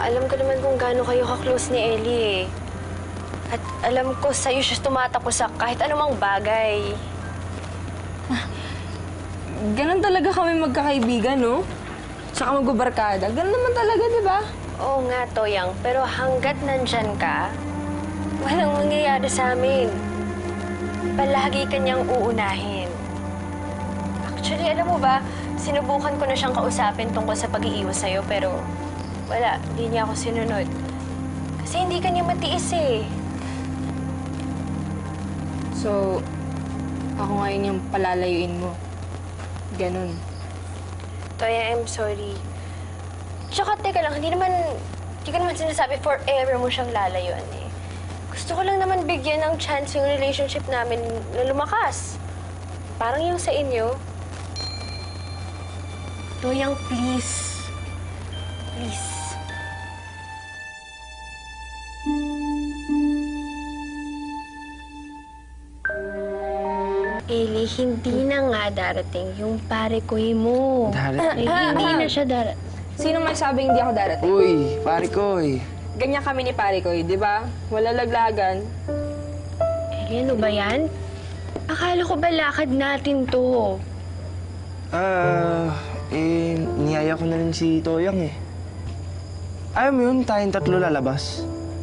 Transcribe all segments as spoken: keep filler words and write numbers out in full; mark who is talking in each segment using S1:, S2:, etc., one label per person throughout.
S1: alam ko naman kung gaano kayo ka-close ni Ellie eh. At alam ko sa'yo siya tumatakbo sa kahit anumang bagay.
S2: Ganon talaga kami magkakaibigan, no? Tsaka magbabarkada. Ganon naman talaga, di ba?
S1: Oo nga, Toyang. Pero hanggat nandyan ka, walang mangyayari sa amin. Palagi kanyang uunahin. Actually, alam mo ba, sinubukan ko na siyang kausapin tungkol sa pag-iiwas sa'yo, pero wala, hindi niya ako sinunod. Kasi hindi kanya matiis eh.
S2: So, ako ngayon yung palalayuin mo. Ganon.
S1: Toya, I'm sorry. Tsaka, teka lang, hindi naman, hindi ka naman sinasabi forever mo siyang lalayuan eh. Gusto ko lang naman bigyan ng chance yung relationship namin na lumakas. Parang yung sa inyo. Toyang, please. Please. Ellie, hindi na nga darating yung pare koy mo.
S3: Darating?
S1: Ay, hindi na siya darating.
S2: Sino may sabing hindi ako darating?
S3: Uy, pare ko eh.
S2: Ganyan kami ni pare ko, di ba? Wala laglagan.
S1: Ellie, ano ba yan? Akala ko ba lakad natin to?
S3: Ah, eh, niyaya ko na rin si Toyang eh. Ayaw mo yun, tayong tatlo lalabas.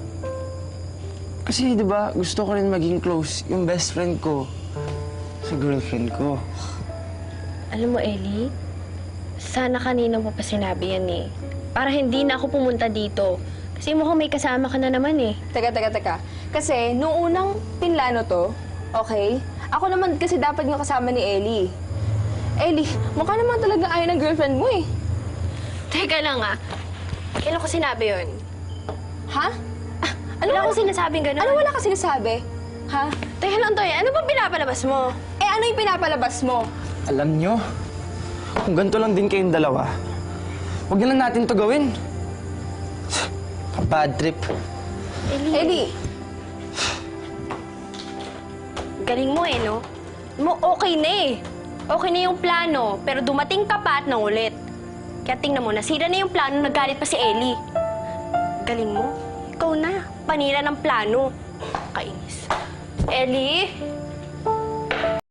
S3: Kasi, di ba, gusto ko rin maging close yung best friend ko sa girlfriend ko.
S1: Alam mo, Ellie, sana kanina mo pa sinabi yan eh. Para hindi na ako pumunta dito. Kasi mukhang may kasama ka na naman eh.
S2: Teka, teka, teka. Kasi, nung unang pinlano to, okay? Ako naman kasi dapat yung kasama ni Ellie. Ellie, mukha naman talaga ayaw ng girlfriend mo eh.
S1: Teka lang ah. Kailan ko sinabi yun?
S2: Ha? Ah, ano
S1: Wala
S2: wala,
S1: ko sinasabing ganun.
S2: ano wala ka sinasabi? Ha?
S1: Teka lang, Toy. Ano bang pinapalabas mo?
S2: Eh, ano yung pinapalabas mo?
S3: Alam nyo, kung ganito lang din kayong dalawa, huwag na lang natin to gawin. Bad trip.
S1: Ellie.
S2: Ellie!
S1: Galing mo eh, no? Mo, okay na eh. Okay na yung plano, pero dumating ka pa at nangulit. Kaya tingnan mo, nasira na yung plano, nagalit pa si Ellie. Galing mo? Ikaw na. Panira ng plano. Kainis. Ellie?